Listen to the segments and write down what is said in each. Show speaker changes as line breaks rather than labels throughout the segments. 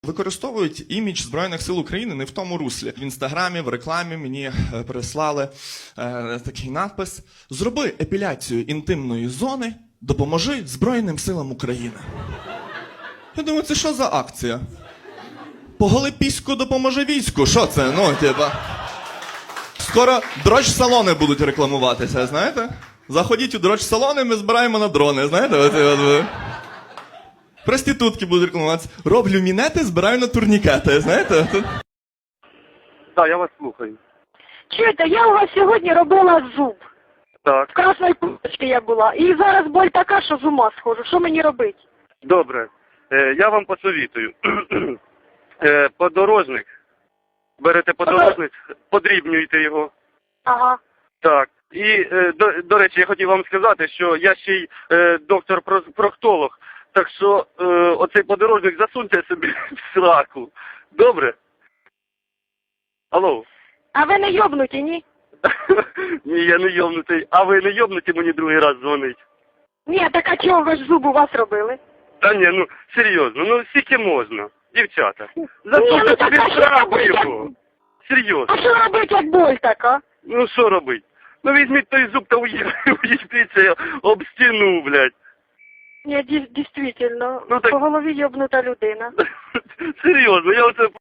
Використовують імідж Збройних сил України не в тому руслі. В Інстаграмі, в рекламі мені прислали такий надпис: «Зроби епіляцію інтимної зони, допоможи Збройним силам України». Я думаю, це що за акція? Поголи піську, допоможи війську. Що це? Ну, типа. Скоро дрочь-салони будуть рекламуватися, знаєте? Заходіть у дрочь-салони, ми збираємо на дрони, знаєте? Оце. Проститутки будуть рекламуватися. Роблю мінети, збираю на турнікети, знаєте?
Так, я вас слухаю.
Чуєте, я у вас сьогодні робила зуб.
Так,
В красної курточці я була. І зараз боль така, що з ума схожу. Що мені робити?
добре. Я вам посовітую. Подорожник. Берете подорожник, подрібнюєте його.
Ага.
Так. І, до речі, я хотів вам сказати, що я ще й доктор-проктолог. Так що оцей подорожник засуньте собі в сраку. Добре? Алло?
А ви не йобнуті, ні?
Ні, я не йобнутий. А ви не йобнуті мені другий раз дзвонить?
Ні, так а чого ви ж зуб у вас робили?
Та ні, ну, серйозно, ну скільки можна, дівчата.
ну
Засуньте
так
собі
а
в
що
сраку
робити?
його. Серйозно.
А що робити, як боль така?
Ну що робить? Ну візьміть той зуб та уїбіться об стіну, блядь.
Ні, дійсно,
Ну, так-
по голові йобнута людина.
Серйозно, я оце...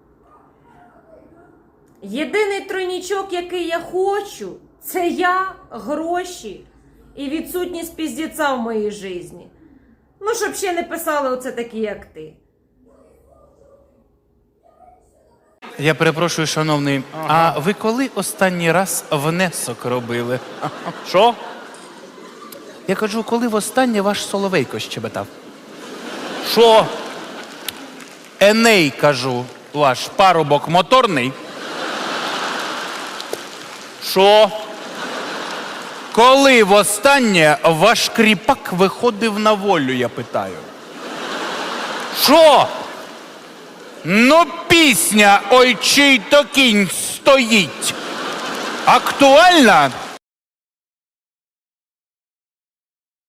Єдиний тройнічок, який я хочу, це я, гроші і відсутність піздіця в моїй житті. Ну, щоб ще не писали оце такі, як ти.
Я перепрошую, шановний, а ви коли останній раз внесок робили?
Що?
Я кажу, коли востаннє ваш Соловейко щебетав?
Що?
Еней, кажу, ваш парубок моторний.
Що?
Коли востаннє ваш кріпак виходив на волю, я питаю?
Що?
Ну, пісня «Ой, чий то кінь стоїть» актуальна?